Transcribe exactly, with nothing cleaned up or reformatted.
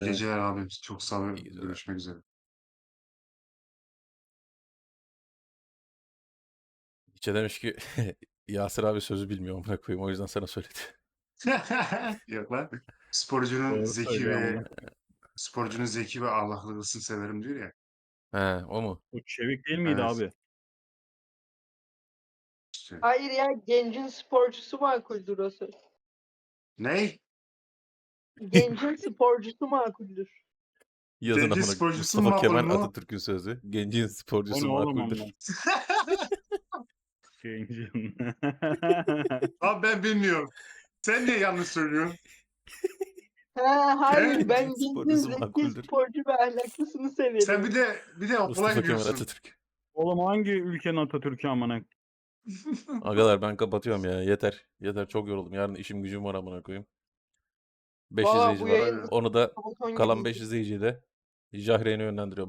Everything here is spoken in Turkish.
Evet. Geceler abi. Çok sağ ol. İyi geceler. Görüşmek üzere. İçe demiş ki Yasir abi sözü bilmiyor amına koyayım o yüzden sana söyledi. Yok lan. Sporcunun Doğru zeki söylüyor ve amına. sporcunun zeki ve ahlaklısını severim diyor ya. He, o mu? O Çevik değil miydi Evet. abi? İşte. Hayır ya, gencin sporcusu makuldür o söz. Ney? Gencin sporcusu makuldür. Yazın Gencin amına sporcusu mu Mustafa makul Kemal mu? Atatürk'ün sözü. Gencin O sporcusu ne oğlum makuldür. amına? Gencin. Abi ben bilmiyorum. Sen niye yanlış söylüyorsun? Ha, hayır, ben Gencin gencin sporcusu zeki, makuldür. sporcu ve ahlaklısını Sen bir severim. de bir de okula Mustafa Kemal gidiyorsun. Atatürk. Oğlum hangi ülkenin Atatürk'ü amına? Agalar ben kapatıyorum ya yeter. Yeter çok yoruldum. Yarın işim gücüm var amına koyayım. beş Valla izleyici bu var. yayın Hadi. Onu da saboton kalan gibiydi. beş izleyiciyi de Jahreyn'e yönlendiriyorum.